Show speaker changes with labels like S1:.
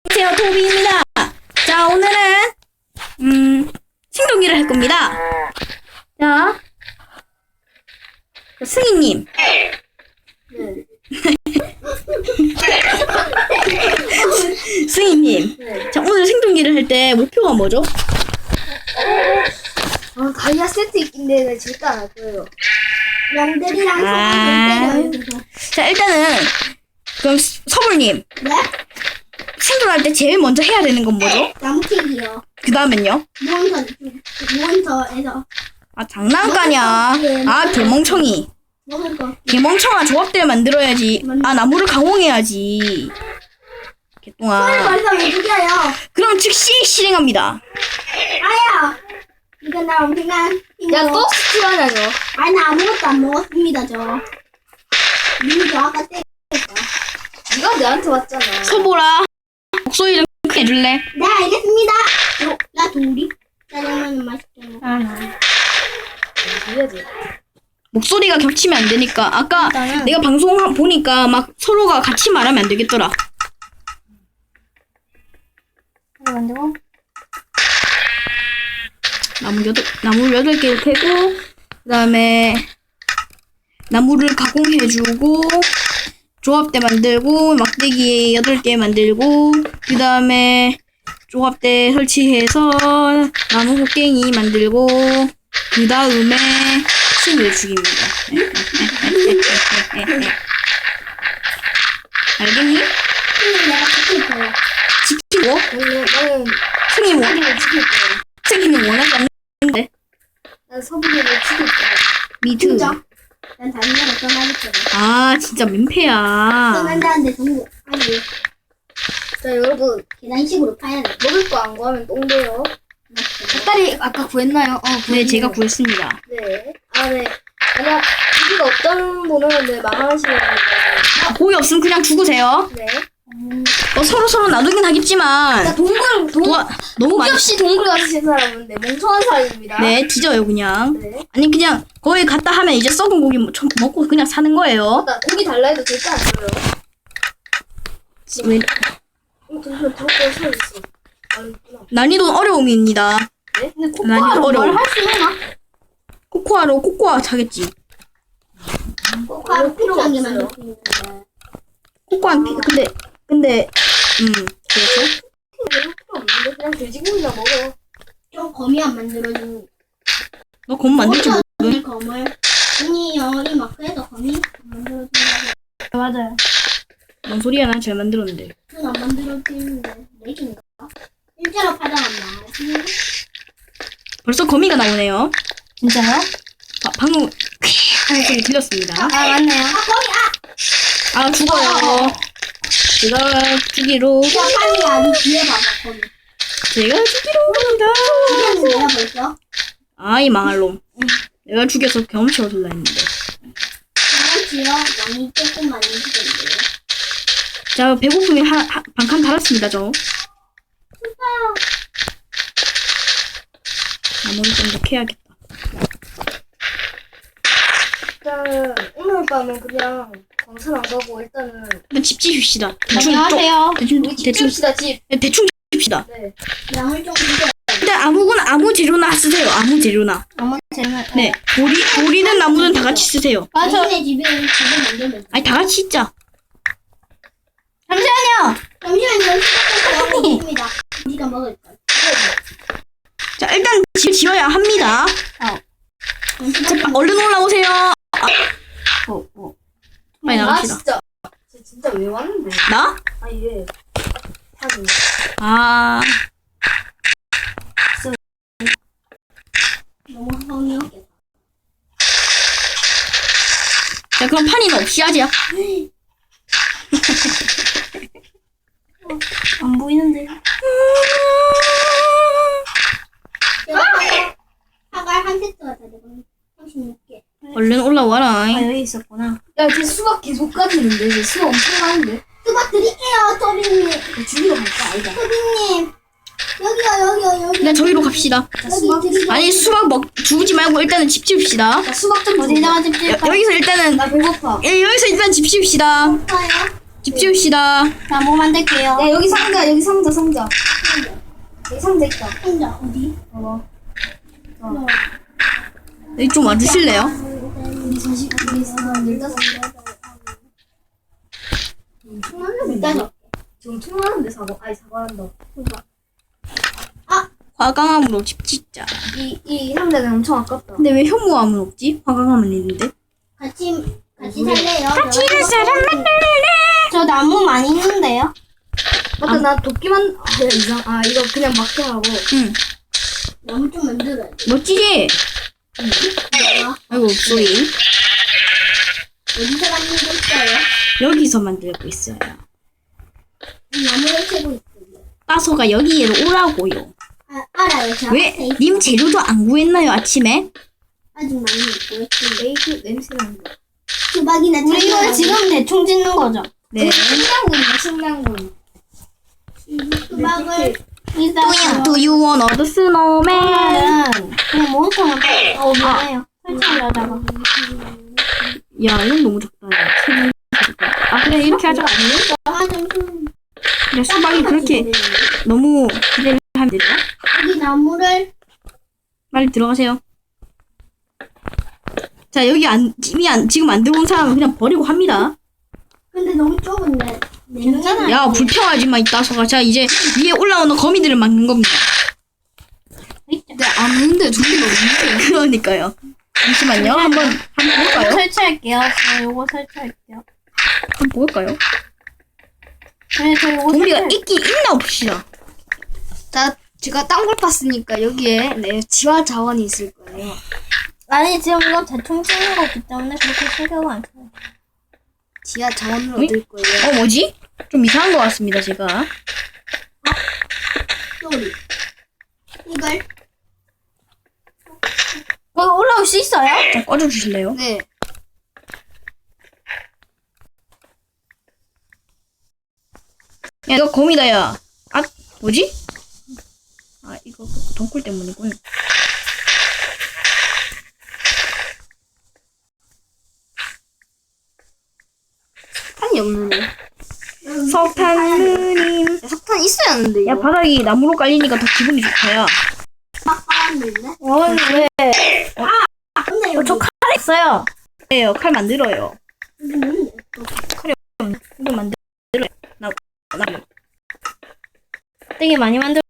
S1: 안녕하세요, 토비입니다. 자, 오늘은 생존기를 할 겁니다. 자, 승희님.
S2: 네.
S1: 승희님.
S2: 네.
S1: 자, 오늘 생존기를 할 때 목표가 뭐죠?
S2: 다이아 세트 있긴데 나 절대 안 할 거예요.
S3: 양들이랑
S1: 아.
S3: 손을 때려요.
S1: 자, 일단은 그럼 서불님.
S3: 네?
S1: 생존할 때 제일 먼저 해야 되는 건 뭐죠?
S3: 나무캐기요.
S1: 그 다음엔요?
S3: 무언서에서
S1: 아, 장난가냐. 아, 개멍청이.
S3: 먹을 거.
S1: 개멍청아, 조합대를 만들어야지. 아, 나무를 가공해야지. 개똥아.
S3: 벌써 왜 죽여요?
S1: 그럼 즉시 실행합니다.
S3: 아야! 이거 나 엄청난 힘으로.
S2: 야, 또 스틸하냐고.
S3: 아니, 나 아무것도 안 먹었습니다, 저. 이미 저 아까 때렸어.
S2: 네가 내한테 왔잖아.
S1: 서보라. 목소리 좀 크게 해줄래?
S3: 네, 알겠습니다. 나 도리? 짜장면은 맛있게 먹어.
S2: 해야지.
S1: 목소리가 겹치면 안 되니까. 아까
S3: 일단은-
S1: 내가 방송 보니까 막 서로가 같이 말하면 안 되겠더라.
S3: 만들고.
S1: 나무 8개를 캐고, 그 다음에 나무를 가공해주고, 조합대 만들고, 막대기 8개 만들고, 그 다음에 조합대 설치해서 나무 곡괭이 만들고, 그 다음에 신을 죽입니다. 알겠니?
S3: 근데 내가 지킬 거야.
S1: 지키고,
S2: 나는
S1: 승희 뭐,
S2: 서부리를 지킬 거야.
S1: 승희는 원하지 않는데.
S2: 난 서부리를 지킬 거야.
S1: 미드.
S3: 진짜? 난 다른 나라 떠나겠거든.
S1: 아, 진짜 민폐야.
S3: 떠난다는데 정보, 아니,
S2: 자, 여러분.
S3: 계단식으로 파야 돼.
S2: 먹을 거 안 구하면 똥돼요. 닭다리 아까 구했나요?
S1: 네, 제가 구했습니다.
S2: 네. 아, 네. 만약 고기가 없다는 분은 네, 망하시는 건데.
S1: 고기 없으면 그냥 죽으세요.
S2: 네.
S1: 서로 나누긴 하겠지만
S2: 자,
S1: 너무 많이
S2: 없이 동굴 가신 사람은 네, 멍청한 사람입니다.
S1: 네, 뒤져요 그냥.
S2: 네.
S1: 아니 그냥 거기 갔다 하면 이제 썩은 고기 먹고 그냥 사는 거예요.
S2: 나 고기 달라 해도 절대 안 줘요.
S1: 왜,
S2: 잠시만, 들어가 서 있어. 아, 있구나.
S1: 난이도는 어려움입니다.
S2: 네?
S3: 근데
S1: 난이도
S3: 코코아로
S1: 어려워.
S3: 뭘 할 수 있나?
S1: 코코아로 코코아 차겠지.
S3: 코코아로
S2: 필요가
S3: 필요한 게
S2: 없어요.
S3: 만들 수 있는데.
S1: 코코아 근데 그렇죠.
S2: 필요 없는데 그냥 돼지고기나 먹어.
S3: 좀 거미 안 만들어주는.
S1: 너 검 만들지 못.
S3: 어디 검을? 아니요, 이 마크에서 거미 안 만들어준다고.
S1: 맞아요. 뭔 소리야? 난 잘 만들었는데.
S3: 안 만들어주는데. 내긴가? 일자로 파장한다.
S1: 벌써 거미가 나오네요.
S3: 진짜요?
S1: 방금 하는 소리 들렸습니다.
S3: 아, 맞네요. 아, 거미!
S1: 아 죽어요. 제가 주기로
S3: 야, 빨리 아니 뒤에 봐봐, 거미.
S1: 제가 주기로 합니다.
S3: 죽였는데요, 벌써?
S1: 아이 망할 놈. 내가 죽여서 경험치 얻으려 했는데.
S3: 그렇지요. 많이 조금 많이 죽였는데요.
S1: 자, 배고픔이 반칸 달았습니다, 저. 나머지 좀 더 캐야겠다.
S2: 일단 오늘 밤은 그냥 광산 안 가고 일단은
S1: 일단 집 지읍시다. 대충
S2: 우리 집 지읍시다 집.
S1: 대충 지읍시다.
S2: 네.
S3: 양을 좀 주세요.
S1: 일단 아무 재료나 쓰세요. 아무 재료나.
S3: 아무 재면.
S1: 네. 돌이는 나무는 다 같이 쓰세요.
S3: 자신의 집에 만들면 돼.
S1: 아니, 다 같이 있자.
S3: 잠시만요. 시작해서 먹습니다. 우리가 먹을 걸.
S1: 자, 일단 집 지어야 합니다. 자, 얼른 올라오세요. 빨리
S2: 아
S1: 나갑시다.
S2: 진짜. 진짜 왜 왔는데?
S1: 나?
S2: 아 이게 사진.
S1: 아,
S3: 너무 허무하겠다.
S1: 자, 그럼 판이는 없이 하자.
S3: 안 보이는데. 사과 한 세트가 다 되거든. 36개.
S1: 얼른 올라와라.
S3: 여기 있었구나.
S2: 야, 쟤 수박 계속 가지는데? 쟤 수박 엄청 가는데?
S3: 수박 드릴게요, 토비님.
S2: 죽이러 갈까? 아니다.
S3: 토비님. 여기요.
S1: 그냥 저기로 갑시다.
S3: 여기 드리고.
S1: 아니, 수박 주지 말고 일단은 집 지읍시다.
S2: 나 수박 좀
S3: 어디다가 집
S1: 여기서 일단은
S2: 나 배고파.
S1: 여기서 일단 집 지읍시다.
S3: 줄까요?
S1: 집 지읍시다.
S3: 나뭐 만들게요.
S2: 야 여기 상자 여기 상자. 여기 상자 있다.
S3: 혼자 어디?
S2: 봐봐.
S1: 여기 좀 와주실래요?
S2: 우리 15
S3: 일단
S2: 지금 통화하는데 사과한다.
S1: 화강암으로 집 짓자.
S2: 이 상자는 엄청 아깝다.
S1: 근데 왜 현무암은 없지? 화강암은 있는데.
S3: 같이 살래요.
S1: 같이 살 사람 만들래.
S3: 저 나무 많이 있는데요.
S2: 맞다 나 도끼만 이거 그냥 막게 하고.
S1: 응.
S3: 나무 좀 만들어야 돼.
S1: 멋지지? 아이고 소리.
S3: 어디서 만들고 있어요?
S1: 여기서 만들고 있어요.
S3: 나무를 캐고 있어요.
S1: 따서가 여기로 오라고요.
S3: 알아요. 저
S1: 왜?
S3: 앞에 있-
S1: 님 재료도 안 구했나요 아침에?
S3: 아직 많이 있고 있어요.
S2: 메이크 냄새 난다.
S3: 수박이나 우리 이거 지금 대충 짓는 거죠?
S1: 네.
S2: 식량군.
S3: 수박을
S1: Do you want a snowman?
S3: 그냥 몬스터만 미안해요. 설치하려다가
S1: 야 이건 너무 적다. 야. 아 그래 이렇게 하자.
S3: 하좀
S1: 그래 수박이 그렇게 너무 기대를 하면 되죠?
S3: 여기 나무를
S1: 빨리 들어가세요. 자 여기 지금 안 들어온 사람은 그냥 버리고 합니다.
S3: 근데 너무 좁은데 괜찮아요.
S1: 야 불평하지 마 이따서가. 자 이제 위에 올라오는 거미들을 막는 겁니다.
S2: 근데 안 오는데 좀비가 없는데.
S1: 그러니까요. 잠시만요. 한번 볼까요?
S3: 설치할게요. 저 요거 설치할게요.
S1: 한번 볼까요?
S3: 네, 저 요거
S1: 좀비가
S3: 설치.
S1: 있긴 있나 봅시다.
S2: 자 제가 땅굴 팠으니까 여기에 지하 자원이 있을 거예요.
S3: 아니 지금 이거 대충 찍는 거기 때문에 그렇게 신경 안 써요.
S2: 지하 자원을
S1: 응?
S2: 얻을 거예요.
S1: 뭐지? 좀 이상한 것 같습니다 제가.
S3: 소리. 이걸
S2: 올라올 수 있어요?
S1: 좀 꺼져주실래요?
S2: 네.
S1: 야 이거 거미다 야. 아 뭐지? 아 이거 덩굴 때문이군.
S2: 석탄이 없는데.
S1: 석탄 누님.
S2: 석탄 있어야 하는데 이거.
S1: 야 바닥이 나무로 깔리니까 더 기분이 좋다야.
S3: 막 깔았는데.
S1: 왜?
S3: 근데 여기
S1: 저 칼 있어요. 네요 칼 만들어요.
S3: 여기 뭔데?
S1: 이거 만들어요. 나 되게 많이 만들.